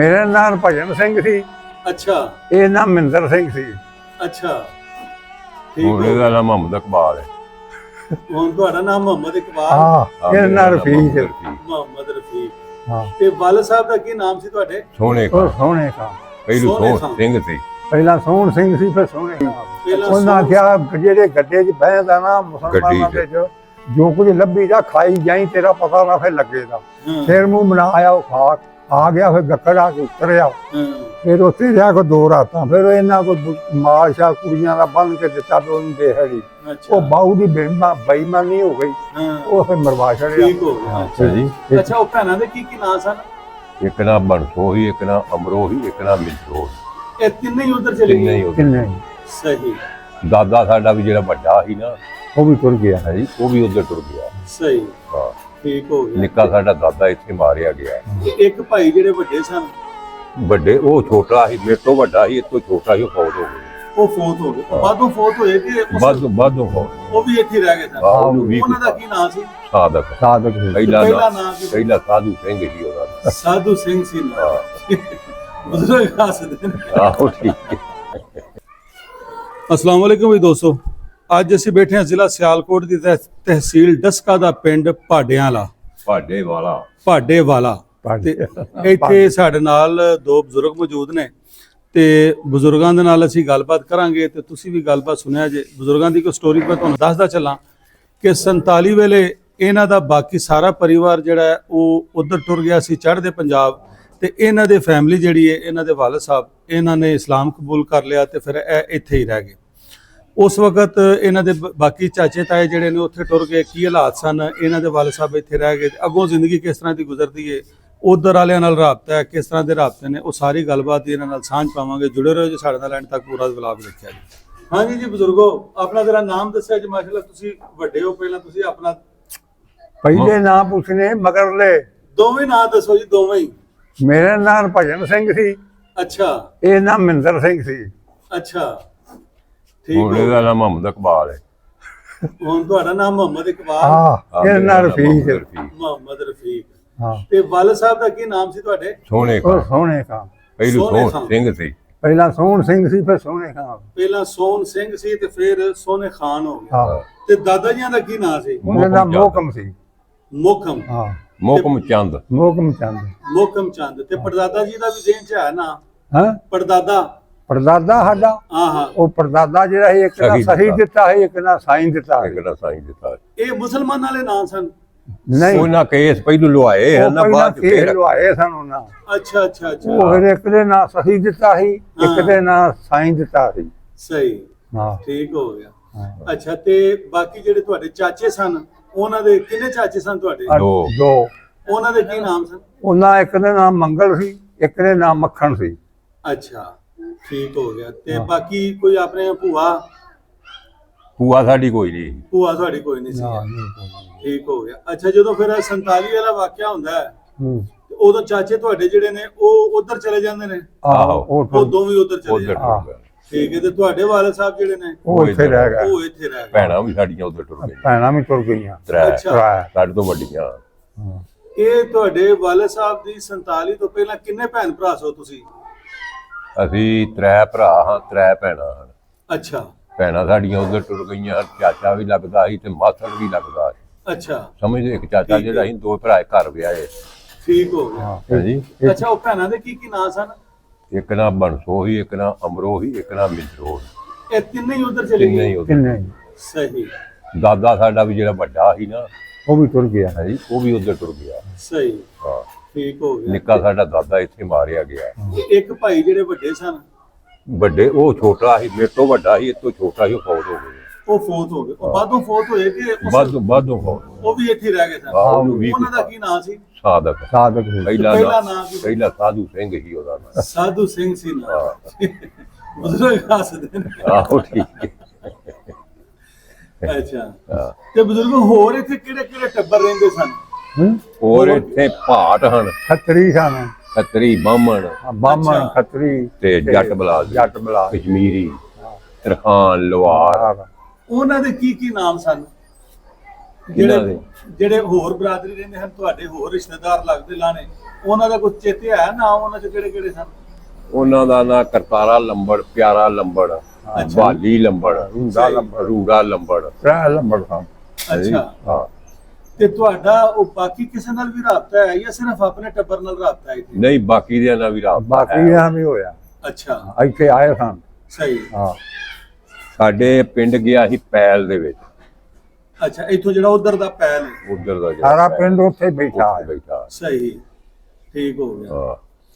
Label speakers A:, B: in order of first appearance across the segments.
A: ਮੇਰਾ ਨਾਮ ਭਜਨ ਸਿੰਘ ਸੀ।
B: ਅੱਛਾ
A: ਇਹ ਨਾਮ ਮਹਿੰਦਰ ਸਿੰਘ ਸੀ।
B: ਅੱਛਾ ਠੀਕ
C: ਹੁਣ ਇਹਦਾ ਨਾਮ ਮੁਹੰਮਦ ਇਕਬਾਲ ਹੈ।
B: ਹੁਣ ਤੁਹਾਡਾ ਨਾਮ ਮੁਹੰਮਦ ਇਕਬਾਲ
A: ਹਾਂ ਇਹ ਨਾਮ ਰਫੀਕ ਹੈ।
B: ਮੁਹੰਮਦ ਰਫੀਕ।
A: ਹਾਂ
B: ਤੇ ਵਾਲਦ ਸਾਹਿਬ ਦਾ ਕੀ ਨਾਮ ਸੀ ਤੁਹਾਡੇ?
C: ਸੋਹਣੇ
A: ਉਹ ਸੋਹਣੇ ਖਾਂ।
C: ਪਹਿਲੂ
B: ਸੋਹਣੇ
C: ਸੋਹਣ ਸਿੰਘ ਸੀ।
A: ਪਹਿਲਾਂ ਸੋਹਣ ਸਿੰਘ ਸੀ ਫਿਰ ਸੋਹਣੇ ਖਾਂ।
B: ਪਹਿਲਾਂ
A: ਉਹਨਾਂ ਕਿਹਾ ਜਿਹੜੇ ਗੱਡੇ 'ਚ ਬਹਿਦਾ ਨਾ ਮੁਸਲਮਾਨਾਂ ਦੇ 'ਚ ਜੋ ਕੁਝ ਲੱਭੀ ਜਾ ਖਾਈ ਜਾਈ ਤੇਰਾ ਪਤਾ ਨਾ ਫਿਰ ਲੱਗੇਗਾ।
B: ਹਾਂ,
A: ਫਿਰ ਮੂੰਹ ਬਣਾਇਆ ਉਹ ਖਾ ਆ ਗਿਆ ਫਿਰ ਗੱਕੜ ਆ ਕੇ ਉਤਰਿਆ।
B: ਹਾਂ,
A: ਫਿਰ ਉੱਥੇ ਰਿਹਾ ਕੋ 2 ਰਾਤਾਂ ਫਿਰ ਇਹਨਾਂ ਕੋ ਮਾਲ ਸ਼ਾਲ ਕੁੜੀਆਂ ਦਾ ਬੰਨ ਕੇ ਦਿੱਤਾ ਤੇ ਉਹਨੂੰ ਦੇਹੜੀ
B: ਅੱਛਾ
A: ਉਹ ਬਾਹੂ ਦੀ ਬੇਈਮਾਨੀ ਹੋ ਗਈ।
B: ਹਾਂ
A: ਉਹ ਫਿਰ ਮਰਵਾ ਛੜਿਆ।
B: ਠੀਕ ਹੋ ਗਿਆ।
C: ਅੱਛਾ ਜੀ।
B: ਅੱਛਾ ਉਹ ਭੈਣਾਂ ਦੇ ਕੀ ਨਾਂ ਸਨ?
C: ਇੱਕ ਨਾ ਬਣਸੋ ਹੀ, ਇੱਕ ਨਾ ਅਮਰੋ ਹੀ, ਇੱਕ ਨਾ ਮਿੰਦਰੋ।
B: ਇਹ ਤਿੰਨੇ ਹੀ ਉਧਰ ਚਲੇ
C: ਤਿੰਨੇ ਹੀ
B: ਗਏ।
C: ਉਹਦੇ।
A: ਕਿੰਨੇ
B: ਸਹੀ
C: ਦਾਦਾ ਸਾਡਾ ਵੀ ਜਿਹੜਾ ਵੱਡਾ ਸੀ ਨਾ
A: ਉਹ ਵੀ ਤੁਰ ਗਿਆ।
C: ਹੈ ਜੀ, ਉਹ ਵੀ ਉੱਧਰ ਟੁਰ ਗਿਆ।
B: ਸਹੀ
C: ਹਾਂ,
B: ਠੀਕ ਹੋ ਗਿਆ।
C: ਨਿੱਕਾ ਸਾਡਾ ਦਾਦਾ ਇੱਥੇ ਮਾਰਿਆ ਗਿਆ।
B: ਤੇ ਇੱਕ ਭਾਈ ਜਿਹੜੇ ਵੱਡੇ ਸਨ
C: ਵੱਡੇ ਉਹ ਛੋਟਾ ਸੀ, ਮੇਰੇ ਤੋਂ ਵੱਡਾ ਸੀ, ਇਹ ਤੋਂ ਛੋਟਾ ਸੀ, ਉਹ ਫੌਤ ਹੋ ਗਈ।
B: ਉਹ ਫੌਤ ਹੋ ਗਏ। ਬਾਦੋਂ ਫੌਤ ਹੋਏ ਕਿ
C: ਬਾਦੋਂ ਫੌਤ।
B: ਉਹ ਵੀ ਇੱਥੇ ਹੀ ਰਹਿ ਗਏ ਸਨ।
C: ਹਾਂ, ਉਹਨੂੰ ਵੀ
B: ਉਹਨਾਂ ਦਾ ਕੀ ਨਾਂ ਸੀ?
C: ਸਾਦਕ।
A: ਸਾਧਕ ਸੀ।
C: ਪਹਿਲਾ
B: ਪਹਿਲਾ
C: ਨਾਮ
B: ਨਾਂ ਕੀ?
C: ਪਹਿਲਾ ਸਾਧੂ ਸਿੰਘ ਸੀ ਉਹਦਾ ਨਾਂ।
B: ਸਾਧੂ ਸਿੰਘ ਸੀ ਨਾਂ।
C: ਹਾਂ,
B: ਬਜ਼ੁਰਗ ਹੱਸਦੇ ਨੇ।
C: ਆਹੋ ਠੀਕ ਹੈ।
B: अस्सलाम वालेकुम भी दोस्तों, ਅੱਜ ਅਸੀਂ ਬੈਠੇ ਹਾਂ ਜ਼ਿਲ੍ਹਾ ਸਿਆਲਕੋਟ ਦੀ ਤਹਿਸੀਲ ਡਸਕਾ ਦਾ ਪਿੰਡ ਭਾਡਿਆਂਲਾ
C: ਭਾਡੇ ਵਾਲਾ।
B: ਭਾਡੇਵਾਲਾ। ਤੇ ਇੱਥੇ ਸਾਡੇ ਨਾਲ 2 ਬਜ਼ੁਰਗ ਮੌਜੂਦ ਨੇ ਤੇ ਬਜ਼ੁਰਗਾਂ ਦੇ ਨਾਲ ਅਸੀਂ ਗੱਲਬਾਤ ਕਰਾਂਗੇ ਤੇ ਤੁਸੀਂ ਵੀ ਗੱਲਬਾਤ ਸੁਣਿਆ ਜੇ। ਬਜ਼ੁਰਗਾਂ ਦੀ ਕੋਈ ਸਟੋਰੀ ਮੈਂ ਤੁਹਾਨੂੰ ਦੱਸਦਾ ਚੱਲਾਂ ਕਿ 47 ਵੇਲੇ ਇਹਨਾਂ ਦਾ ਬਾਕੀ ਸਾਰਾ ਪਰਿਵਾਰ ਜਿਹੜਾ ਹੈ ਉਹ ਉਧਰ ਟੁਰ ਗਿਆ ਸੀ ਚੜ੍ਹਦੇ ਪੰਜਾਬ ਤੇ ਇਹਨਾਂ ਦੇ ਫੈਮਿਲੀ ਜਿਹੜੀ ਹੈ ਇਹਨਾਂ ਦੇ ਵਾਲਦ ਸਾਹਿਬ ਇਹਨਾਂ ਨੇ ਇਸਲਾਮ ਕਬੂਲ ਕਰ ਲਿਆ ਤੇ ਫਿਰ ਇਹ ਇੱਥੇ ਹੀ ਰਹਿ ਗਏ। ਉਸ ਵਕਤ ਇਹਨਾਂ ਦੇ ਬਾਕੀ ਚਾਚੇ ਤਾਏ ਜਿਹੜੇ ਨੇ ਉੱਥੇ ਟੁਰ ਗਏ। ਕੀ ਹਾਲਾਤ ਸਨ, ਇਹਨਾਂ ਦੇ ਵਾਲਦ ਸਾਹਿਬ ਇੱਥੇ ਰਹਿ ਗਏ, ਅੱਗੋਂ ਜ਼ਿੰਦਗੀ ਕਿਸ ਤਰ੍ਹਾਂ ਦੀ ਗੁਜ਼ਰਦੀ ਹੈ, ਉਧਰ ਵਾਲਿਆਂ ਨਾਲ ਰਾਬਤਾ ਹੈ, ਕਿਸ ਤਰ੍ਹਾਂ ਦੇ ਰਾਬਤੇ ਨੇ, ਉਹ ਸਾਰੀ ਗੱਲਬਾਤ ਇਹਨਾਂ ਨਾਲ ਸਾਂਝ ਪਾਵਾਂਗੇ। ਜੁੜੇ ਰਹੋ ਜੀ ਸਾਡੇ ਨਾਲ, ਐਂਡ ਤੱਕ ਪੂਰਾ ਵਲੌਗ ਦੇਖਿਆ ਜੀ। ਹਾਂਜੀ ਜੀ ਬਜ਼ੁਰਗੋ, ਆਪਣਾ ਜਰਾ ਨਾਮ ਦੱਸਿਆ ਜੀ। ਮਾਸ਼ਾਅੱਲਾ ਤੁਸੀਂ ਵੱਡੇ ਹੋ, ਪਹਿਲਾਂ ਤੁਸੀਂ ਆਪਣਾ
A: ਪਹਿਲੇ ਨਾਂ ਪੁੱਛਨੇ ਮਗਰਲੇ।
B: ਦੋਵੇਂ ਨਾਂ ਦੱਸੋ ਜੀ, ਦੋਵੇਂ ਹੀ।
A: ਮੇਰਾ ਨਾਮ ਭਜਨ ਸਿੰਘ ਸੀ।
B: ਅੱਛਾ
A: ਇਹ ਨਾਮ ਮਹਿੰਦਰ ਸਿੰਘ ਸੀ।
B: ਅੱਛਾ ਠੀਕ
C: ਹੁਣ
B: ਹੋ।
C: ਇਹਦਾ ਨਾਮ ਮੁਹੰਮਦ ਇਕਬਾਲ ਹੈ।
B: ਹੁਣ ਤੁਹਾਡਾ ਨਾਮ ਮੁਹੰਮਦ ਇਕਬਾਲ।
A: ਹਾਂ ਇਹ ਨਾਮ ਰਫੀਕ ਹੈ।
B: ਮੁਹੰਮਦ ਰਫੀਕ।
A: ਹਾਂ
B: ਤੇ ਵਾਲਦ ਸਾਹਿਬ ਦਾ ਕੀ ਨਾਮ ਸੀ ਤੁਹਾਡੇ?
C: ਸੋਹਣੇ
A: ਉਹ
C: ਖਾਂ।
A: ਸੋਹਣੇ ਖਾਂ।
C: ਪਹਿਲੂ
B: ਸੋਹਣੇ
C: ਸੋਹਣ
B: ਖਾਂ।
C: ਸਿੰਘ ਸੀ।
A: ਪਹਿਲਾਂ ਸੋਹਣ ਸਿੰਘ ਸੀ ਫਿਰ ਸੋਹਣੇ ਖਾਂ।
B: ਪਹਿਲਾਂ ਸੋਹਣ ਸਿੰਘ ਸੀ ਤੇ ਫਿਰ ਸੋਹਣੇ ਖਾਨ ਹੋ ਗਿਆ।
A: ਹਾਂ
B: ਤੇ ਦਾਦਾ ਜੀਆਂ ਦਾ ਕੀ ਨਾਂ ਸੀ?
A: ਉਹਦਾ ਨਾਮ ਮੋਹਕਮ ਸੀ।
B: ਮੋਹਕਮ।
A: ਹਾਂ
C: ਮੋਹਕਮ ਚੰਦ।
A: ਮੋਹਕਮ ਚੰਦ।
B: ਮੋਹਕਮ ਚੰਦ। ਤੇ ਪੜਦਾਦਾ ਜੀ ਦਾ ਵੀ ਜ਼ਿਹਨ ਚ ਹੈ ਨਾ?
A: ਹਾਂ
B: ਪੜਦਾਦਾ।
A: ਪਰਦਾਦਾ ਸਾਡਾ
B: ਹਾਂ
A: ਉਹ ਪਰਦਾਦਾ ਜਿਹੜਾ ਸੀ ਇੱਕ ਨਾ
C: ਸਹੀ
A: ਸਹੀ ਦਿੱਤਾ ਹੈ, ਇੱਕ ਨਾ ਸਾਈਂ ਦਿੱਤਾ ਹੈ।
C: ਇੱਕ ਦਾ ਸਾਈਂ ਦਿੱਤਾ।
B: ਇਹ ਮੁਸਲਮਾਨ ਵਾਲੇ ਨਾਂ ਸਨ?
A: ਨਹੀਂ
C: ਉਹਨਾਂ ਕੇਸ ਪਹਿਲੂ ਲਵਾਏ
A: ਉਹ
C: ਹਨ ਨਾ,
A: ਪਹਿਲਾਂ
C: ਬਾਅਦ ਚ
A: ਕੇਸ
C: ਫੇਰ
A: ਲਵਾਏ ਸਨ ਉਹਨਾਂ।
B: ਅੱਛਾ ਅੱਛਾ ਅੱਛਾ
A: ਉਹ ਫਿਰ ਇੱਕ ਦੇ ਨਾਂ ਸਹੀ ਦਿੱਤਾ ਸੀ, ਇੱਕ
B: ਹਾਂ।
A: ਦੇ ਨਾਂ ਸਾਈਂ ਦਿੱਤਾ ਸੀ।
B: ਸਹੀ
A: ਹਾਂ
B: ਠੀਕ ਹੋ ਗਿਆ।
A: ਹਾਂ।
B: ਅੱਛਾ ਤੇ ਬਾਕੀ ਜਿਹੜੇ ਤੁਹਾਡੇ ਚਾਚੇ ਸਨ, ਉਹਨਾਂ ਦੇ ਕਿੰਨੇ ਚਾਚੇ ਸਨ ਤੁਹਾਡੇ?
C: ਦੋ।
A: ਦੋ
B: ਉਹਨਾਂ ਦੇ ਕੀ ਨਾਮ ਸਨ?
A: ਉਹਨਾਂ ਇੱਕ ਦੇ ਨਾਮ ਮੰਗਲ ਸੀ, ਇੱਕ ਦੇ ਨਾਮ ਮੱਖਣ ਸੀ।
B: ਅੱਛਾ ਠੀਕ ਹੋ ਗਿਆ। ਤੇ ਬਾਕੀ ਕੋਈ ਆਪਣੇ ਭੂਆ?
C: ਭੂਆ ਸਾਡੀ ਕੋਈ ਨਹੀਂ।
B: ਭੂਆ ਤੁਹਾਡੀ ਕੋਈ ਨਹੀਂ ਸੀ?
A: ਹਾਂ, ਨਹੀਂ।
B: ਠੀਕ ਹੋ ਗਿਆ। ਅੱਛਾ ਜਦੋਂ ਫਿਰ 47 ਵਾਲਾ ਵਾਕਿਆ ਹੁੰਦਾ ਹੈ
A: ਹੂੰ।
B: ਤੇ ਉਦੋਂ ਚਾਚੇ ਤੁਹਾਡੇ ਜਿਹੜੇ ਨੇ ਉਹ ਉਧਰ ਚਲੇ ਜਾਂਦੇ ਨੇ?
A: ਆਹੋ
B: ਉਹ ਦੋਵੇਂ ਉਧਰ ਚਲੇ
C: ਉਧਰ
B: ਜਾਂਦੇ?
A: ਹਾਂ।
C: ਟੁਰ ਗਏ।
B: ਠੀਕ ਹੈ। ਤੇ ਤੁਹਾਡੇ ਵਾਲਦ ਸਾਹਿਬ ਜਿਹੜੇ ਨੇ
A: ਉਹ ਇੱਥੇ ਰਹਿ ਗਏ।
B: ਉਹ ਇੱਥੇ ਰਹਿ ਗਏ?
C: ਭੈਣਾਂ ਵੀ ਸਾਡੀਆਂ ਉਧਰ ਟੁਰ ਗਈਆਂ।
A: ਭੈਣਾਂ ਵੀ ਤੁਰ ਗਈਆਂ।
C: ਤਰੇ
B: ਅੱਛਾ।
C: ਸਾਡੇ ਤੋਂ ਵੱਡੀਆਂ।
A: ਹਾਂ।
B: ਇਹ ਤੁਹਾਡੇ ਵਾਲਦ ਸਾਹਿਬ ਦੀ 47 ਤੋਂ ਪਹਿਲਾਂ ਕਿੰਨੇ ਭੈਣ ਭਰਾ ਸੋ ਤੁਸੀਂ?
C: ਅਸੀਂ 3 ਭਰਾ ਹਾਂ, 3 ਭੈਣਾਂ ਹਨ।
B: ਅੱਛਾ
C: ਭੈਣਾਂ ਸਾਡੀਆਂ ਉਧਰ ਟੁਰ ਗਈਆਂ। ਚਾਚਾ ਵੀ ਲੱਗਦਾ ਸੀ ਤੇ ਮਾਸੜ ਵੀ ਲੱਗਦਾ ਸੀ।
B: ਅੱਛਾ
C: ਸਮਝਦੇ, ਇੱਕ ਚਾਚਾ ਜਿਹੜਾ ਸੀ, 2 ਭਰਾ ਘਰ ਵਿਆਹੇ।
B: ਠੀਕ ਹੋ ਗਿਆ।
A: ਹਾਂ।
C: ਹਾਂਜੀ।
B: ਅੱਛਾ ਉਹ ਭੈਣਾਂ ਦੇ ਕੀ ਨਾਂ ਸਨ?
C: ਇੱਕ ਨਾ ਬਣਸੋ ਹੀ, ਇੱਕ ਨਾ ਅਮਰੋ ਹੀ, ਇੱਕ ਨਾ ਮਿੰਦਰੋ।
B: ਇਹ ਤਿੰਨੇ ਹੀ ਉਧਰ ਚਲੇ
C: ਤਿੰਨੇ ਹੀ
B: ਗਏ?
C: ਉਧਰ।
A: ਕਿੰਨੇ
B: ਸਹੀ
C: ਦਾਦਾ ਸਾਡਾ ਵੀ ਜਿਹੜਾ ਵੱਡਾ ਸੀ ਨਾ
A: ਉਹ ਵੀ ਤੁਰ ਗਿਆ।
C: ਹਾਂਜੀ, ਉਹ ਵੀ ਉਧਰ ਟੁਰ ਗਿਆ।
B: ਸਹੀ
C: ਹਾਂ,
B: ਠੀਕ ਹੋ ਗਿਆ।
C: ਨਿੱਕਾ ਸਾਡਾ ਦਾਦਾ ਇੱਥੇ ਮਾਰਿਆ ਗਿਆ।
B: ਤੇ ਇੱਕ ਭਾਈ ਜਿਹੜੇ ਵੱਡੇ ਸਨ
C: ਵੱਡੇ ਉਹ ਛੋਟਾ ਸੀ, ਮੇਰੇ ਤੋਂ ਵੱਡਾ ਸੀ, ਇਹ ਤੋਂ ਛੋਟਾ ਸੀ, ਉਹ ਫੌਤ ਹੋ ਗਏ।
B: ਉਹ ਫੌਤ ਹੋ ਗਏ। ਉਹ ਬਾਦੋਂ ਫੌਤ ਹੋਏ ਕਿ
C: ਬਾਦੋਂ ਫੌਤ।
B: ਉਹ ਵੀ ਇੱਥੇ ਹੀ ਰਹਿ ਗਏ ਸਨ?
C: ਹਾਂ, ਉਹਨੂੰ ਵੀ
B: ਉਹਨਾਂ ਦਾ ਕੀ ਨਾਂ ਸੀ?
C: ਸਾਦਕ।
A: ਸਾਧਕ ਸੀ।
C: ਪਹਿਲਾ
B: ਪਹਿਲਾ
C: ਨਾਮ
B: ਨਾਮ ਕੀ?
C: ਪਹਿਲਾ ਸਾਧੂ ਸਿੰਘ ਸੀ ਉਹਦਾ ਨਾਮ।
B: ਸਾਧੂ ਸਿੰਘ ਸੀ ਨਾ?
C: ਹਾਂ।
B: ਬਜ਼ੁਰਗ ਹੱਸਦੇ ਨੇ।
C: ਆਹੋ ਠੀਕ ਹੈ।
B: ਅੱਛਾ
C: ਹਾਂ।
B: ਤੇ ਬਜ਼ੁਰਗ ਹੋਰ ਇੱਥੇ ਕਿਹੜੇ ਕਿਹੜੇ ਟੱਬਰ ਰਹਿੰਦੇ ਸਨ?
A: ਹੂੰ।
C: ਹੋਰ ਇੱਥੇ ਭਾਟ ਹਨ,
A: ਖੱਤਰੀ ਸਨ।
C: ਖੱਤਰੀ, ਬਾਹਮਣ
A: ਬਾਹਮਣ,
B: ਅੱਛਾ।
A: ਖੱਤਰੀ
C: ਤੇ ਜੱਟ ਬਲਾਦ।
A: ਜੱਟ ਬਲਾ।
C: ਕਸ਼ਮੀਰੀ, ਤਰਖਾਨ, ਲਵਾਰ।
B: ਉਹਨਾਂ ਦੇ ਕੀ ਕੀ ਨਾਮ ਸਨ? ਜਿਹੜੇ ਜਿਹੜੇ ਹੋਰ ਬਰਾਦਰੀ ਰਹਿੰਦੇ ਹਨ ਤੁਹਾਡੇ ਹੋਰ ਰਿਸ਼ਤੇਦਾਰ ਲੱਗਦੇ ਲਾਣੇ ਉਹਨਾਂ ਦਾ ਕੁਝ ਚੇਤੇ ਹੈ ਨਾ ਉਹਨਾਂ ਚ ਕਿਹੜੇ ਕਿਹੜੇ ਸਨ?
C: ਉਹਨਾਂ ਦਾ ਨਾਂ ਕਰਤਾਰਾ ਲੰਬੜ, ਪਿਆਰਾ ਲੰਬੜ, ਬਾਲੀ ਲੰਬੜ, ਰੂੜਾ ਲੰਬੜ,
A: ਰਹਿ ਲੰਬੜ ਖਾਂ।
B: ਅੱਛਾ
C: ਹਾਂ।
B: ਤੇ ਤੁਹਾਡਾ ਉਹ ਬਾਕੀ ਕਿਸੇ ਨਾਲ ਵੀ ਰਾਬਤਾ ਹੈ ਜਾਂ ਸਿਰਫ ਆਪਣੇ ਟੱਬਰ ਨਾਲ ਰਾਬਤਾ ਹੈ ਇੱਥੇ?
C: ਨਹੀਂ, ਬਾਕੀ ਦੇ ਨਾਲ ਵੀ ਰਾਬਤਾ
A: ਬਾਕੀ ਦਾ ਵੀ ਹੋਇਆ,
B: ਅੱਛਾ
A: ਇੱਥੇ ਆਏ ਸਨ।
B: ਸਹੀ।
A: ਹਾਂ,
C: ਸਾਡੇ ਪਿੰਡ ਗਿਆ ਸੀ ਪੈਲ ਦੇ ਵਿੱਚ।
B: ਅੱਛਾ, ਇੱਥੋਂ ਜਿਹੜਾ ਉਧਰ ਦਾ ਪੈਲ ਹੈ
C: ਉਧਰ ਦਾ
A: ਸਾਰਾ ਪਿੰਡ ਉੱਥੇ ਬੈਠਾ ਹੈ।
C: ਬੈਠਾ।
B: ਸਹੀ, ਠੀਕ ਹੋ ਗਿਆ।
C: ਹਾਂ,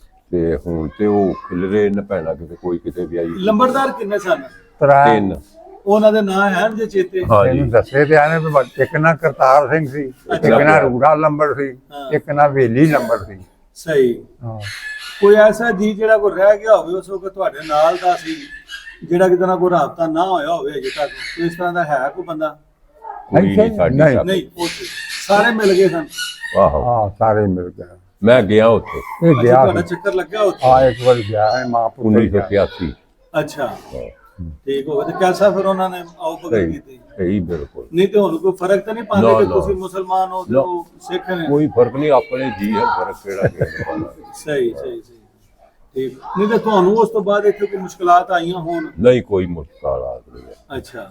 C: ਤੇ ਹੁਣ ਤੇ ਉਹ ਖਿਲਰੇ ਨ ਪੈਣਾ ਕਿਤੇ, ਕੋਈ ਕਿਤੇ ਵੀ ਆਈ।
B: ਲੰਬੜਦਾਰ ਕਿੰਨੇ ਸਨ?
A: ਤਿੰਨ।
B: ਉਹਨਾਂ ਦੇ ਨਾਂ ਹੈ ਜੇ ਚੇਤੇ?
C: ਹਾਂ ਜੀ।
A: ਇਹਨੂੰ ਦੱਸੇ ਤੇ ਆਨੇ ਵੀ ਇੱਕ ਨਾ ਕਰਤਾਰ ਸਿੰਘ ਸੀ, ਇੱਕ ਨਾ ਰੂੜਾ ਲੰਬੜ ਸੀ, ਇੱਕ ਨਾ ਵੇਲੀ ਲੰਬੜ ਸੀ।
B: ਸਹੀ।
A: ਹਾਂ,
B: ਕੋਈ ਐਸਾ ਜੀ ਜਿਹੜਾ ਕੋਈ ਰਹਿ ਗਿਆ ਹੋਵੇ ਉਸ ਵਕਤ ਤੁਹਾਡੇ ਨਾਲ ਦਾ ਸੀ ਜਿਹੜਾ ਕਿਤੇ ਨਾ ਕੋਈ ਰਾਬਤਾ ਨਾ ਹੋਇਆ ਹੋਵੇ ਅਜੇ ਤੱਕ? ਕੋਈ ਇਸ ਤਰ੍ਹਾਂ ਦਾ ਹੈ ਕੋਈ ਬੰਦਾ?
C: ਕੋਈ ਨਹੀਂ ਸਾਡੀ
A: ਨਹੀਂ।
C: ਸਾਥ।
B: ਨਹੀਂ, ਉੱਥੇ ਸਾਰੇ ਮਿਲ ਗਏ ਸਨ।
C: ਆਹੋ,
A: ਹਾਂ, ਸਾਰੇ ਮਿਲ ਗਏ।
C: ਮੈਂ ਗਿਆ ਉੱਥੇ
A: ਇਹ
B: ਅੱਛਾ,
A: ਗਿਆ
B: ਤੁਹਾਡਾ
A: ਸੀ।
B: ਚੱਕਰ ਲੱਗਿਆ ਉੱਥੇ?
A: ਹਾਂ, ਇੱਕ ਵਾਰ ਗਿਆ ਹੈ ਮਾਂ ਪੁੱਤਰ ਗਿਆ।
C: 1981।
B: ਅੱਛਾ, ਠੀਕ ਹੋ ਗਿਆ। ਤੇ ਕੈਸਾ ਫਿਰ ਉਹਨਾਂ ਨੇ ਆਓ ਭਗਤ
C: ਸਹੀ
B: ਕੀਤੀ?
C: ਸਹੀ, ਬਿਲਕੁਲ।
B: ਨਹੀਂ ਤੇ ਹੁਣ ਕੋਈ ਫਰਕ ਤਾਂ ਨਹੀਂ ਪਾਉਂਦੇ
C: ਨਾ,
B: ਕਿ
C: ਨਾ।
B: ਤੁਸੀਂ ਮੁਸਲਮਾਨ ਹੋ ਤੇ ਉਹ ਸਿੱਖ ਨੇ?
C: ਕੋਈ ਫਰਕ ਨਹੀਂ, ਆਪਣੇ ਜੀ ਹੈ, ਫਰਕ ਕਿਹੜਾ ਕਿਸੇ ਨੂੰ ਪਾਉਣਾ।
B: ਸਹੀ ਸਹੀ ਸਹੀ, ਠੀਕ। ਨਹੀਂ ਤੇ ਤੁਹਾਨੂੰ ਉਸ ਤੋਂ ਬਾਅਦ ਇੱਥੇ ਕੋਈ ਮੁਸ਼ਕਲਾਤ ਆਈਆਂ ਹੋਣ?
C: ਨਹੀਂ, ਕੋਈ ਮੁਸ਼ਕਲ ਨਹੀਂ ਹੈ।
B: ਅੱਛਾ,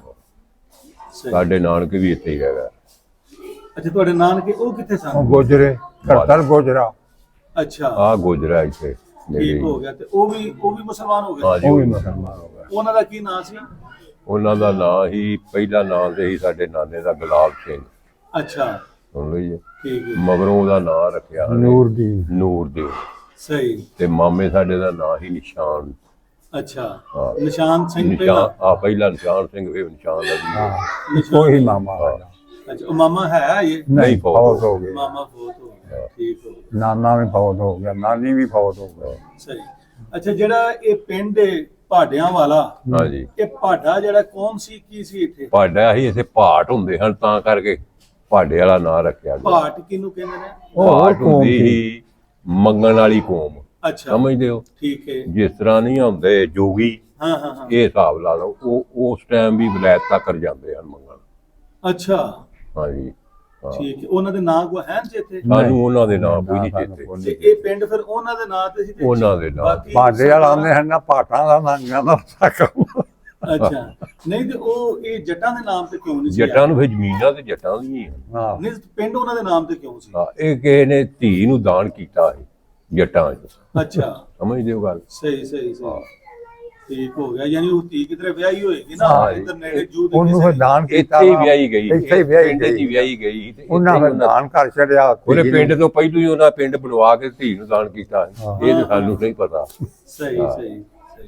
B: ਸਹੀ।
C: ਸਾਡੇ ਨਾਨਕੇ ਵੀ ਇੱਥੇ ਹੀ ਹੈਗਾ।
B: ਅੱਛਾ, ਤੁਹਾਡੇ ਨਾਨਕੇ ਉਹ ਕਿੱਥੇ
A: ਉਹ
B: ਸਨ?
A: ਗੋਜਰੇ, ਕਰਤਲ ਗੋਜਰਾ।
B: ਅੱਛਾ,
C: ਆ ਗੁਜਰਾ ਇੱਥੇ
B: ਠੀਕ ਹੋ ਗਿਆ। ਤੇ ਉਹ ਵੀ ਮੁਸਲਮਾਨ ਹੋ
C: ਹਾਂ
B: ਗਏ?
C: ਜੀ।
A: ਉਹ ਵੀ ਮੁਸਲਮਾਨ ਹੋ ਗਿਆ।
B: ਉਹਨਾਂ ਦਾ ਕੀ ਨਾਂ ਸੀ?
C: ਉਹਨਾਂ ਦਾ ਨਾਂ ਹੀ, ਪਹਿਲਾ ਨਾਂ ਤੇ ਹੀ ਸਾਡੇ ਨਾਨੇ ਦਾ ਗੁਲਾਬ ਸਿੰਘ।
B: ਅੱਛਾ,
C: ਸੁਣ ਲਓ ਜੀ।
B: ਠੀਕ ਹੈ।
C: ਮਗਰੋਂ ਉਹਦਾ ਨਾਂ ਰੱਖਿਆ
A: ਨੂਰਦੀਨ।
C: ਨੂਰਦੀਨ।
B: ਸਹੀ।
C: ਤੇ ਮਾਮੇ ਸਾਡੇ ਦਾ ਨਾਂ ਹੀ ਨਿਸ਼ਾਨ।
B: ਅੱਛਾ,
C: ਹਾਂ।
B: ਨਿਸ਼ਾਨ ਸਿੰਘ
C: ਨਿਸ਼ਾਨ
B: ਪਹਿਲਾਂ?
C: ਆ, ਪਹਿਲਾ ਨਿਸ਼ਾਨ ਸਿੰਘ, ਫਿਰ ਨਿਸ਼ਾਨ ਦਾ ਜੀ।
A: ਹਾਂ, ਕੋਈ ਮਾਮਾ ਸਾਡਾ।
B: ਅੱਛਾ, ਉਹ ਮਾਮਾ ਹੈ ਇਹ?
A: ਨਹੀਂ,
C: ਫੌਤ
A: ਫੌਤ ਹੋ ਗਏ।
B: ਮਾਮਾ ਫੌਤ ਹੋ ਗਿਆ, ਠੀਕ ਹੋ ਗਿਆ।
A: ਨਾਨਾ ਵੀ ਫੌਤ ਹੋ ਗਿਆ, ਨਾਨੀ ਵੀ ਫੌਤ ਹੋ ਗਈ।
B: ਸਹੀ। ਅੱਛਾ, ਜਿਹੜਾ ਇਹ ਪਿੰਡ ਹੈ ਭਾਡਿਆਂ ਵਾਲਾ,
C: ਹਾਂ ਜੀ।
B: ਇਹ ਭਾਡਾ ਜਿਹੜਾ ਕੌਮ ਸੀ, ਕੀ ਸੀ ਇੱਥੇ?
C: ਪਾਡਾ ਹੀ ਇੱਥੇ ਭਾਟ ਹੁੰਦੇ ਹਨ, ਤਾਂ ਕਰਕੇ ਭਾਡੇ ਵਾਲਾ ਨਾਂ ਰੱਖਿਆ ਗਿਆ।
B: ਭਾਟ ਕਿਹਨੂੰ ਕਹਿੰਦੇ ਨੇ?
A: ਉਹ
C: ਭਾਟ
A: ਕੌਮ
C: ਹੁੰਦੀ
A: ਸੀ।
C: ਹੀ ਮੰਗਣ ਵਾਲੀ ਕੌਮ,
B: ਅੱਛਾ,
C: ਸਮਝਦੇ ਹੋ?
B: ਠੀਕ ਹੈ।
C: ਜਿਸ ਤਰ੍ਹਾਂ ਨਹੀਂ ਹੁੰਦੇ ਜੋਗੀ,
B: ਹਾਂ ਹਾਂ ਹਾਂ,
C: ਇਹ ਹਿਸਾਬ ਲਾ ਲਓ। ਉਹ ਉਸ ਟਾਈਮ ਵੀ ਵਿਲਾਇਤ ਤੱਕ ਜਾਂਦੇ ਹਨ ਮੰਗਣ।
B: ਅੱਛਾ,
C: ਹਾਂ ਜੀ। ਹਾਂ।
B: ਠੀਕ ਹੈ। ਉਹਨਾਂ ਦੇ ਨਾਂ ਕੋਈ ਹੈ ਜੀ ਇੱਥੇ?
C: ਸਾਨੂੰ ਉਹਨਾਂ ਦੇ ਨਾਂ ਕੋਈ ਨਹੀਂ ਚੇਤੇ।
B: ਤੇ ਇਹ ਪਿੰਡ ਫਿਰ ਉਹਨਾਂ ਦੇ ਨਾਂ ਤੇ ਸੀ ਤੇ
C: ਉਹਨਾਂ ਦੇ ਨਾਂ
B: ਬਾਕੀ
A: ਭਾਂਡੇ ਵਾਲਾ ਆਉਂਦੇ ਹਨ ਨਾ, ਪਾਟਾਂ ਦਾ ਨਾਂਗਾ ਦਾ ਕੰਮ।
B: ਅੱਛਾ, ਨਹੀਂ ਤੇ ਉਹ ਇਹ ਜੱਟਾਂ ਦੇ ਨਾਮ ਤੇ ਕਿਉਂ ਨਹੀਂ ਸੀ?
C: ਜੱਟਾਂ ਨੂੰ ਫਿਰ ਜ਼ਮੀਨਾਂ ਤੇ ਜੱਟਾਂ ਦੀਆਂ ਹੀ ਹਨ।
A: ਹਾਂ,
B: ਨਹੀਂ, ਪਿੰਡ ਉਹਨਾਂ ਦੇ ਨਾਮ ਤੇ ਕਿਉਂ ਸੀ?
C: ਹਾਂ, ਇਹ ਕਿਸੇ ਨੇ ਧੀ ਨੂੰ ਦਾਨ ਕੀਤਾ ਹੈ ਜੱਟਾਂ 'ਚ,
B: ਅੱਛਾ,
C: ਸਮਝਦੇ ਹੋ ਗੱਲ?
B: ਸਹੀ ਸਹੀ ਸਹੀ, ਠੀਕ ਹੋ ਗਿਆ। ਯਾਨੀ ਉਹ ਧੀ ਕਿਧਰੇ ਵਿਆਹੀ ਹੋਏਗੀ ਨਾ,
A: ਹਾਂ,
B: ਇੱਧਰ ਨੇੜੇ ਜੂ ਦੇ
A: ਉਹਨੂੰ
B: ਕਿਸੇ
A: ਫਿਰ ਦਾਨ ਕੀਤਾ।
C: ਇੱਥੇ ਹੀ ਵਿਆਹੀ ਗਈ,
A: ਇੱਥੇ ਹੀ ਵਿਆਹੀ
C: ਪਿੰਡ 'ਚ ਹੀ
A: ਗਈ।
C: ਵਿਆਹੀ ਗਈ ਤੇ
A: ਉਹਨਾਂ
C: ਇੱਥੇ
A: ਫਿਰ
C: ਹੀ
A: ਦਾਨ ਕਰ ਛੱਡਿਆ।
C: ਉਹਨੇ ਪਿੰਡ ਤੋਂ ਪਹਿਲਾਂ ਹੀ ਉਹਨਾਂ ਪਿੰਡ ਬਣਵਾ ਕੇ ਧੀ ਨੂੰ ਦਾਨ ਕੀਤਾ ਹੈ। ਇਹ ਤਾਂ ਸਾਨੂੰ ਨਹੀਂ ਪਤਾ।
B: ਸਹੀ ਸਹੀ ਸਹੀ।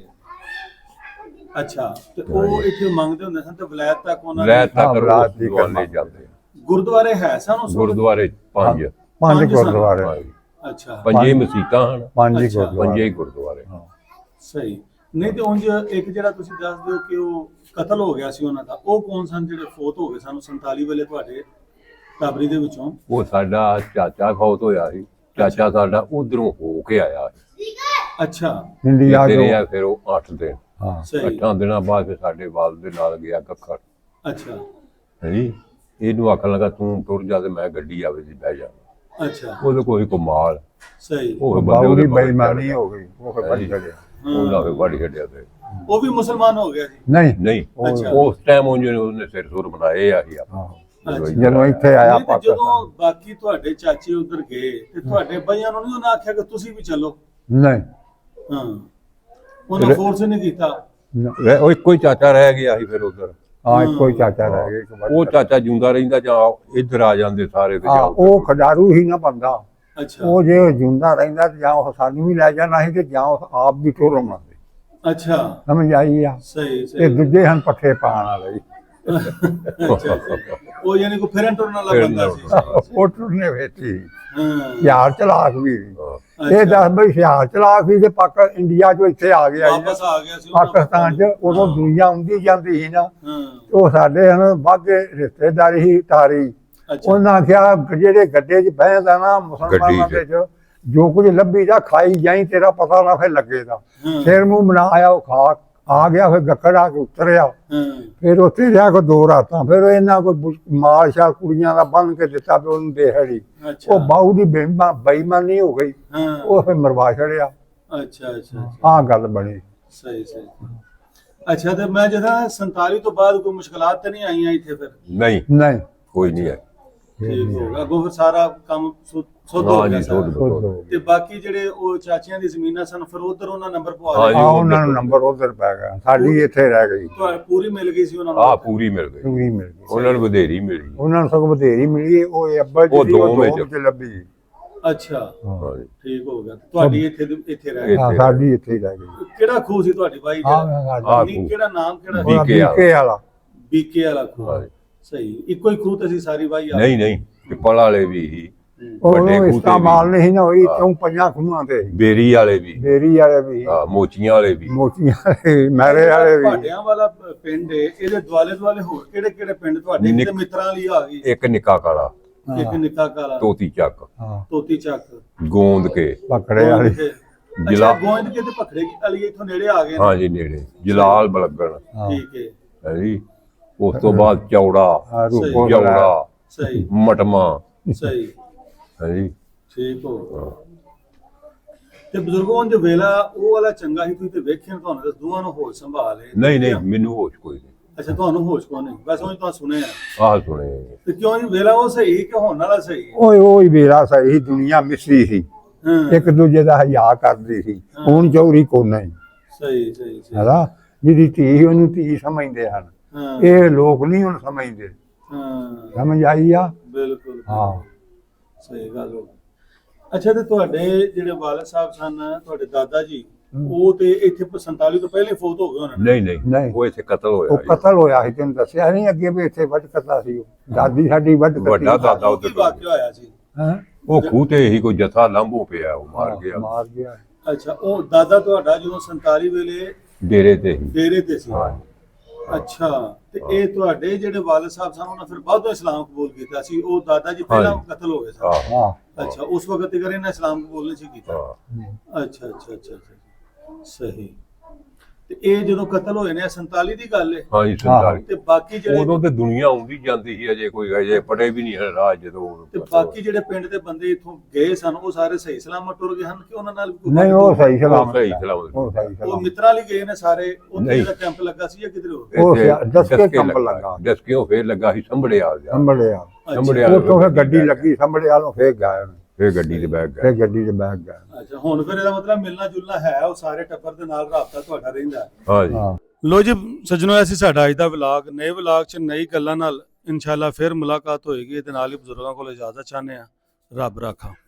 B: ਅੱਛਾ, ਤੇ ਉਹ ਇੱਥੇ ਮੰਗਦੇ ਹੁੰਦੇ ਸਨ ਤੇ ਵਿਲਾਇਤ ਤੱਕ ਉਹਨਾਂ
C: ਲੈ
B: ਦੇ
C: ਤੱਕ
A: ਵਿਲਾਇਤ ਦੀ
C: ਗੁਰਦੁਆਰੇ ਜਾਂਦੇ ਆ।
B: ਗੁਰਦੁਆਰੇ ਹੈ ਸਨ ਉਸ ਵਕਤ?
C: ਗੁਰਦੁਆਰੇ ਪੰਜ
A: ਪੰਜ
B: ਪੰਜ
A: ਗੁਰਦੁਆਰੇ,
C: ਹਾਂਜੀ।
B: ਅੱਛਾ,
C: ਪੰਜੇ ਮਸੀਤਾਂ ਹਨ,
A: ਪੰਜ ਹੀ
B: ਅੱਛਾ।
C: ਪੰਜੇ
A: ਗੁਰਦੁਆਰੇ।
C: ਹੀ ਗੁਰਦੁਆਰੇ।
B: ਸਹੀ। ਨਹੀਂ ਤੇ ਉਂਝ ਇੱਕ ਜਿਹੜਾ ਤੁਸੀਂ ਦੱਸਦੇ ਹੋ ਕਿ ਉਹ ਕਤਲ ਹੋ ਗਿਆ ਸੀ ਉਹਨਾਂ ਦਾ, ਉਹ ਕੌਣ ਸਨ ਜਿਹੜੇ ਫੌਤ ਹੋ ਗਏ ਸਨ 47 ਵੇਲੇ ਤੁਹਾਡੇ ਟਾਬਰੀ ਦੇ ਵਿੱਚੋਂ?
C: ਉਹ ਸਾਡਾ ਚਾਚਾ ਫੌਤ ਹੋਇਆ ਸੀ। ਚਾਚਾ ਸਾਡਾ ਉਧਰੋਂ ਹੋ ਕੇ ਆਇਆ ਸੀ।
B: ਅੱਛਾ,
A: ਇੰਡੀਆ
C: ਇੱਥੇ
A: ਤੋਂ।
C: ਰਿਹਾ ਫਿਰ ਉਹ 8 ਦਿਨ।
A: ਹਾਂ,
B: ਸਹੀ।
C: 8 ਦਿਨਾਂ ਬਾਅਦ ਫਿਰ ਸਾਡੇ ਵਾਲ ਦੇ ਨਾਲ ਗਿਆ ਕੱਖੜ।
B: ਅੱਛਾ
C: ਹਾਂਜੀ। ਇਹਨੂੰ ਆਖਣ ਲੱਗਾ ਤੂੰ ਤੁਰ ਜਾ ਤੇ ਮੈਂ ਗੱਡੀ ਆਵੇ ਦੀ ਬਹਿ ਜਾ।
B: ਅੱਛਾ,
C: ਉਹਦੇ ਕੋਈ ਕਮਾਲ,
B: ਸਹੀ।
C: ਉਹ
A: ਬਾਬੂ ਦੀ
C: ਉਹਦੇ ਮਗਰ
A: ਬੇਈਮਾਨੀ
C: ਚੜ੍ਹ
A: ਹੋ ਗਈ, ਉਹ ਫਿਰ ਵੱਢ ਛੱਡਿਆ।
C: ਉਹਨਾਂ ਫਿਰ ਵੱਢ ਛੱਡਿਆ ਤੇ
B: ਉਹ ਵੀ ਮੁਸਲਮਾਨ ਹੋ ਗਿਆ ਸੀ?
A: ਨਹੀਂ,
C: ਨਹੀਂ,
B: ਅੱਛਾ।
C: ਉਸ ਟਾਈਮ ਉਹਨੇ ਸਿਰ ਸੁਰ ਬਣਾਏ ਆ ਹੀ ਆਪਾਂ।
A: ਹਾਂ, ਜਦੋਂ ਇੱਥੇ ਆਇਆ
B: ਨਹੀਂ ਤੇ
A: ਪਾਕਿਸਤਾਨ।
B: ਜਦੋਂ ਬਾਕੀ ਤੁਹਾਡੇ ਚਾਚੇ ਉਧਰ ਗਏ ਤੇ ਤੁਹਾਡੇ ਬਈਆਂ ਨੂੰ ਨਹੀਂ ਉਹਨਾਂ ਆਖਿਆ ਕਿ ਤੁਸੀਂ ਵੀ ਚੱਲੋ?
A: ਨਹੀਂ,
B: ਹਾਂ, ਉਹਨਾਂ ਫੋਰਸ ਨਹੀਂ ਕੀਤਾ?
C: ਉਹ ਇੱਕੋ ਹੀ ਚਾਚਾ ਰਹਿ ਗਿਆ ਸੀ ਫਿਰ ਉਧਰ।
A: ਹਾਂ, ਇੱਕੋ ਹੀ ਚਾਚਾ ਰਹਿ ਗਿਆ, ਇੱਕ ਵੱਢ
C: ਉਹ ਚਾਚਾ ਜਿਉਂਦਾ ਰਹਿੰਦਾ ਜਾਂ ਇੱਧਰ ਆ ਜਾਂਦੇ ਸਾਰੇ ਤੇ
A: ਹਾਂ,
C: ਜਾਂ
A: ਉਹ ਖਡਾਰੂ ਹੀ ਨਾ ਬੰਦਾ।
B: ਅੱਛਾ
A: ਉਹ ਜੇ ਜਿਉਂਦਾ ਰਹਿੰਦਾ ਤੇ ਜਾਂ ਉਹ ਸਾਨੂੰ ਵੀ ਲੈ ਜਾਣਾ ਸੀ ਤੇ ਜਾਂ ਉਹ ਆਪ ਵੀ ਟੁਰ ਆਉਣਾ ਸੀ।
B: ਅੱਛਾ,
A: ਸਮਝ ਆਈ ਆ?
B: ਸਹੀ
A: ਇਹ
B: ਸਹੀ।
A: ਦੂਜੇ ਹਨ ਪੱਠੇ ਪਾਣ ਵਾਲੇ।
B: ਅੱਛਾ, ਉਹ ਯਾਨੀ ਕੋ ਫਿਰਨ ਟੁਰਨ ਵਾਲਾ ਬੰਦਾ ਸੀ?
A: ਉਹ ਟੁਰਨੇ ਵੇਚੀ
B: ਹਾਂ,
A: ਹਥਿਆਰ ਚਲਾਕ ਵੀ ਸੀ। ਇਹ
B: ਅੱਛਾ।
A: ਦੱਸ ਬਈ ਹਥਿਆਰ ਚਲਾਕ ਸੀ ਤੇ ਇੰਡੀਆ ਚੋਂ ਇੱਥੇ ਆ ਗਿਆ ਸੀ।
B: ਵਾਪਸ ਆ ਗਿਆ ਸੀ ਉਹਨਾਂ
A: ਪਾਕਿਸਤਾਨ ਚ ਉਦੋਂ ਦੁਨੀਆ ਆਉਂਦੀ ਜਾਂਦੀ ਸੀ ਨਾ,
B: ਹਾਂ,
A: ਉਹ ਸਾਡੇ ਹਨ ਬਾਗੇ ਰਿਸ਼ਤੇਦਾਰੀ ਸੀ ਤਾਰੀ।
B: ਅੱਛਾ,
A: ਉਹਨਾਂ ਆਖਿਆ ਜਿਹੜੇ ਗੱਡੇ 'ਚ ਬਹਿੰਦਾ ਨਾ ਮੁਸਲਮਾਨਾਂ ਦੇ 'ਚ ਜੋ ਕੁਝ ਲੱਭੀ ਜਾ ਖਾਈ ਜਾਈ, ਤੇਰਾ ਪਤਾ ਨਾ ਫਿਰ ਲੱਗੇਗਾ।
B: ਹਾਂ।
A: ਸਿਰ ਮੂੰਹ ਬਣਾ ਆਇਆ ਉਹ ਆ ਗਿਆ ਫਿਰ ਗੱਕੜ ਆ ਕੇ ਉਤਰਿਆ
B: ਹਾਂ
A: ਫਿਰ ਉੱਥੇ ਰਿਹਾ ਕੋ 2 ਰਾਤਾਂ ਫਿਰ ਇਹਨਾਂ ਕੋਈ ਮਾਲ ਸ਼ਾਲ ਕੁੜੀਆਂ ਦਾ ਬੰਨ ਕੇ ਦਿੱਤਾ ਵੀ ਉਹਨੂੰ ਦੇਹੜੀ
B: ਅੱਛਾ
A: ਉਹ ਬਾਹੂ ਦੀ ਬੇਈਮਾਨੀ ਹੋ ਗਈ
B: ਹਾਂ
A: ਉਹ ਫਿਰ ਮਰਵਾ ਛੜਿਆ
B: ਅੱਛਾ ਅੱਛਾ
A: ਆਹ ਗੱਲ ਬਣੀ
B: ਸਹੀ ਸਹੀ ਅੱਛਾ ਤੇ ਮੈਂ ਜਦੋਂ 47 ਤੋਂ ਬਾਅਦ ਕੋਈ ਮੁਸ਼ਕਲਾਤ ਤਾਂ ਨਹੀਂ ਆਈਆਂ ਇੱਥੇ ਫਿਰ
C: ਨਹੀਂ
A: ਨਹੀਂ
C: ਕੋਈ ਨਹੀਂ ਹੈ
B: ਠੀਕ ਹੋ ਗਿਆ ਅੱਗੋਂ ਫਿਰ ਸਾਰਾ ਕੰਮ ਸੁੱਧ ਹੋ
C: ਹਾਂ
B: ਗਿਆ
C: ਜੀ
B: ਸਾਰਾ।
C: ਸੋਧ
B: ਤੇ ਬਾਕੀ ਜਿਹੜੇ ਉਹ ਚਾਚੀਆਂ ਦੀ ਜ਼ਮੀਨਾਂ ਸਨ ਫਿਰ ਉਧਰ ਉਹਨਾਂ ਨੰਬਰ ਪਵਾ
C: ਹਾਂ
B: ਲਏ
C: ਜੀ।
A: ਆ ਉਹਨਾਂ ਨੂੰ ਨੰਬਰ ਉਧਰ ਪੈ ਗਿਆ ਸਾਡੀ ਇੱਥੇ ਰਹਿ ਗਈ
B: ਤੁਹਾਨੂੰ ਪੂਰੀ ਮਿਲ ਗਈ ਸੀ ਉਹਨਾਂ
C: ਆ
B: ਨੂੰ
C: ਪੂਰੀ ਮਿਲ ਗਈ
A: ਪੂਰੀ ਮਿਲ ਗਈ
C: ਉਹਨਾਂ ਨੂੰ ਵਧੇਰੀ ਮਿਲੀ
A: ਉਹਨਾਂ ਨੂੰ ਸਗੋਂ ਬਥੇਰੀ ਮਿਲੀ ਉਹ ਅੱਬਾ ਜੀ
C: ਉਹ
A: ਦੀ
C: ਦੋ ਵਿੱਚ।
A: ਵਿੱਚ ਲੱਭੀ
B: ਅੱਛਾ
C: ਹਾਂ ਜੀ।
B: ਠੀਕ ਹੋ ਗਿਆ ਤੁਹਾਡੀ ਇੱਥੇ ਰਹਿ ਗਈ
A: ਹਾਂ ਸਾਡੀ ਇੱਥੇ ਹੀ ਰਹਿ ਗਈ
B: ਕਿਹੜਾ ਖੂਹ ਸੀ ਤੁਹਾਡੀ ਬਾਈ
A: ਹਾਂ
B: ਦਾ
A: ਸਾਡੀ
C: ਖੂਹ।
B: ਕਿਹੜਾ ਨਾਮ ਕਿਹੜਾ
C: ਵੀ- BK ਵਾਲਾ।
A: BK ਵਾਲਾ
B: ਬੀਕੇ ਵਾਲਾ ਖੂਹ
C: ਹਾਂ ਜੀ।
B: ਸਹੀ ਇੱਕੋ ਹੀ ਖੂਹ ਤੇ ਸੀ ਸਾਰੀ ਬਾਈ ਆ
C: ਨਹੀਂ ਨਹੀਂ ਪਿੱਪਲ ਵਾਲੇ ਵੀ ਸੀ,
A: ਉਹ
C: ਵੱਡੇ ਖੂਹ ਤੇ
A: ਇਸਤੇਮਾਲ
C: ਵੀ।
A: ਨਹੀਂ ਨਾ ਹੋਈ
C: ਹਾਂ।
A: ਕਿਉਂ 5 ਖੂਹਾਂ ਤੇ
C: ਬੇਰੀ ਵਾਲੇ ਵੀ,
A: ਬੇਰੀ ਵਾਲੇ ਵੀ
C: ਹਾਂ, ਮੋਚੀਆਂ ਵਾਲੇ ਵੀ।
A: ਮੋਤੀਆਂ ਵਾਲੇ ਵੀ, ਮਹਿਰੇ ਵਾਲੇ ਵੀ
B: ਭਾਟਿਆਂ ਵਾਲਾ ਪਿੰਡ ਏ ਇਹਦੇ ਦੁਆਲੇ ਦੁਆਲੇ ਹੋਰ ਕਿਹੜੇ ਕਿਹੜੇ ਪਿੰਡ ਤੁਹਾਡੇ ਕਿਤੇ ਮਿੱਤਰਾਂ ਲਈ ਆ ਗਈ
C: ਇੱਕ ਨਿੱਕਾ ਕਾਲਾ,
B: ਇੱਕ ਨਿੱਕਾ ਕਾਲਾ
C: ਤੋਤੀ ਚੱਕ,
A: ਹਾਂ
B: ਤੋਤੀ ਚੱਕ
C: ਗੋਂਦ ਕੇ,
A: ਪਕੜੇ ਵਾਲੀ
B: ਜਿਲਾ
C: ਜਿਲਾ
B: ਗੋਇੰਦ ਕੇ ਤੇ ਪਖੜੇ ਕੀ ਵਾਲੀ ਇੱਥੋਂ ਨੇੜੇ ਆ ਗਏ ਨੇ।
C: ਹਾਂ ਜੀ ਨੇੜੇ, ਜਲਾਲ ਬਲਗਣ
A: ਹਾਂ
B: ਠੀਕ ਹੈ
C: ਹੈ ਜੀ। ਉਸ ਤੋਂ ਬਾਅਦ ਚੌੜਾ,
A: ਆਹ
B: ਸਹੀ।
A: ਰੂਪੋ
C: ਜੌੜਾ,
B: ਸਹੀ
C: ਮਟਮਾ
B: ਸਹੀ
C: ਹੈ ਜੀ।
B: ਠੀਕ ਹੋ ਤੇ ਬਜ਼ੁਰਗੋਂ ਜੋ ਵੇਲਾ ਉਹ ਵਾਲਾ ਚੰਗਾ ਸੀ ਤੁਸੀਂ ਤੇ ਵੇਖਿਆ ਤੁਹਾਨੂੰ ਤਾਂ ਦੋਵਾਂ ਨੂੰ ਹੋਸ਼ ਸੰਭਾਲ ਹੈ
C: ਨਹੀਂ ਨਹੀਂ ਮੈਨੂੰ ਹੋਸ਼ ਕੋਈ ਨਹੀਂ।
B: ਅੱਛਾ ਤੁਹਾਨੂੰ ਹੋਸ਼ ਕੋ ਨਹੀਂ ਬਸ ਉਹ ਤਾਂ ਸੁਣਿਆ
C: ਆਹ ਸੁਣੇ
B: ਤੇ ਕਿਉਂ ਨਹੀਂ ਵੇਲਾ ਉਹ ਸਹੀ ਕਿ ਹੋਣ ਵਾਲਾ ਸਹੀ
A: ਓਏ ਓਏ ਵੇਰਾ ਸਹੀ ਦੁਨੀਆ ਮਿਸਰੀ ਸੀ
B: ਹਾਂ
A: ਇੱਕ ਦੂਜੇ ਦਾ ਹਯਾ ਕਰਦੀ ਸੀ ਹੁਣ ਚੌਰੀ ਕੋ ਨਹੀਂ
B: ਸਹੀ ਸਹੀ ਸਹੀ
A: ਹੈਨਾ ਜਿਹਦੀ ਧੀ ਉਹਨੂੰ ਧੀ ਸਮਝਦੇ ਹਨ
B: ਹਾਂ
A: ਇਹ ਲੋਕ ਨਹੀਂ ਹੁਣ ਸਮਝਦੇ
B: ਹਾਂ
A: ਸਮਝ ਆਈ ਆ
B: ਬਿਲਕੁਲ
A: ਹਾਂ
B: ਸਹੀ ਗੱਲ ਹੋ ਅੱਛਾ ਤੇ ਤੁਹਾਡੇ ਜਿਹੜੇ ਵਾਲਦ ਸਾਹਿਬ ਸਨ ਤੁਹਾਡੇ ਦਾਦਾ ਜੀ ਉਹ ਤੇ ਇੱਥੇ 47 ਤੋਂ ਪਹਿਲੇ ਫੌਤ ਹੋ ਗਏ ਉਹਨਾਂ ਨੇ
C: ਨਹੀਂ
A: ਨਹੀਂ।
C: ਨਹੀਂ ਉਹ ਇੱਥੇ ਕਤਲ
A: ਉਹ
C: ਹੋਇਆ ਜੀ।
A: ਕਤਲ ਹੋਇਆ ਸੀ ਤੈਨੂੰ ਦੱਸਿਆ ਨਹੀਂ ਅੱਗੇ ਵੀ ਇੱਥੇ ਵੱਢ ਕੱਤਾ ਸੀ ਉਹ ਦਾਦੀ ਸਾਡੀ ਵੱਢ
C: ਵੱਡਾ
A: ਕੱਤੀ
C: ਦਾਦਾ
B: ਉਹ ਕੀ
C: ਉੱਧਰ
B: ਵਾਕਿਆ ਹੋਇਆ ਸੀ
A: ਹੈਂ?
C: ਉਹ ਖੂਹ ਤੇ ਹੀ ਕੋਈ ਜਥਾ ਲਾਂਭੋ ਪਿਆ, ਉਹ ਮਾਰ ਗਿਆ
A: ਮਾਰ ਗਿਆ
B: ਅੱਛਾ ਉਹ ਦਾਦਾ ਤੁਹਾਡਾ ਜਦੋਂ 47 ਵੇਲੇ
C: ਡੇਰੇ ਤੇ ਹੀ।
B: ਡੇਰੇ ਤੇ ਸੀ
C: ਹਾਂ।
B: ਅੱਛਾ ਤੇ ਇਹ ਤੁਹਾਡੇ ਜਿਹੜੇ ਵਾਲਦ ਸਾਹਿਬ ਸਨ ਉਹਨਾਂ ਫਿਰ ਬਾਅਦੋਂ ਇਸਲਾਮ ਕਬੂਲ ਕੀਤਾ ਸੀ ਉਹ ਦਾਦਾ ਜੀ ਪਹਿਲਾਂ
C: ਹਾਂਜੀ।
B: ਕਤਲ ਹੋ ਗਏ ਸਨ
C: ਹਾਂ
A: ਹਾਂ
B: ਅੱਛਾ ਉਸ ਵਕਤ ਤੱਕ ਇਹਨਾਂ ਇਸਲਾਮ ਕਬੂਲ ਨਹੀਂ ਸੀ ਕੀਤਾ
C: ਹਾਂ
B: ਅੱਛਾ ਅੱਛਾ ਅੱਛਾ ਅੱਛਾ ਸਹੀ ਤੇ ਇਹ ਜਦੋਂ ਕਤਲ ਹੋਏ ਨੇ 47 ਦੀ ਗੱਲ ਹੈ
C: ਹਾਂ ਜੀ 47।
B: ਤੇ ਬਾਕੀ ਜਿਹੜੇ
C: ਉਦੋਂ ਤੇ ਦੁਨੀਆ ਆਉਂਦੀ ਜਾਂਦੀ ਸੀ, ਅਜੇ ਕੋਈ ਅਜੇ ਪੜੇ ਵੀ ਨਹੀਂ ਹੈ ਰਾਹ ਜਦੋਂ
B: ਤੇ ਬਾਕੀ ਜਿਹੜੇ ਪਿੰਡ ਦੇ ਬੰਦੇ ਇੱਥੋਂ ਗਏ ਸਨ ਉਹ ਸਾਰੇ ਸਹੀ ਸਲਾਮਤ ਟੁਰ ਗਏ ਹਨ ਕਿ ਉਹਨਾਂ ਨਾਲ ਵੀ ਕੋਈ
A: ਨਹੀਂ ਉਹ ਸਹੀ
C: ਉਹ
A: ਸਲਾਮਤ
C: ਸਹੀ
A: ਹੈ।
C: ਸਲਾਮਤ।
A: ਉਹ ਸਹੀ
B: ਉਹ
A: ਸਲਾਮਤ
B: ਮਿੱਤਰਾਂ ਲਈ ਗਏ ਨੇ ਸਾਰੇ ਉੱਥੇ
C: ਨਹੀਂ।
B: ਜਿਹੜਾ ਕੈਂਪ ਲੱਗਾ ਸੀ ਜਾਂ ਕਿਧਰ ਹੋਰ
A: ਉਹ
C: ਇੱਥੇ
A: ਦਸਕੇ ਕੰਪ ਲੱਗਾ।
C: ਦਸਕਿਓਂ ਫੇਰ ਲੱਗਾ ਸੀ ਸੰਭੜਿਆਲ ਜਾ,
A: ਸੰਭਲਿਆ
C: ਸੰਭੜਿਆਲ
A: ਉੱਥੋਂ ਫਿਰ ਗੱਡੀ ਲੱਗੀ ਸੰਭਲਿਆ ਨੂੰ ਫੇਰ ਗਏ
C: ਫੇਰ ਗੱਡੀ ਤੇ ਬੈਠ ਗਏ।
A: ਫੇਰ ਗੱਡੀ 'ਚ ਬੈਠ ਗਏ
B: ਅੱਛਾ ਹੁਣ ਫਿਰ ਇਹਦਾ ਮਤਲਬ ਮਿਲਣਾ ਜੁਲਣਾ ਹੈ ਉਹ ਸਾਰੇ ਟੱਬਰ ਦੇ ਨਾਲ ਰਾਬਤਾ ਤੁਹਾਡਾ ਰਹਿੰਦਾ ਹੈ।
C: ਹਾਂ ਜੀ।
A: ਹਾਂ
B: ਲੋ ਜੀ ਸੱਜਣੋ ਐਸੀ ਸਾਡਾ ਅੱਜ ਦਾ ਵਲੌਗ ਨਏ ਵਲੌਗ 'ਚ ਨਈ ਗੱਲਾਂ ਨਾਲ ਇਨਸ਼ਾਅੱਲਾ ਫਿਰ ਮੁਲਾਕਾਤ ਹੋਏਗੀ ਤੇ ਨਾਲ ਹੀ ਬਜ਼ੁਰਗਾਂ ਕੋਲ ਇਜਾਜ਼ਤ ਚਾਹੁੰਦੇ ਆ ਰੱਬ ਰਾਖਾ।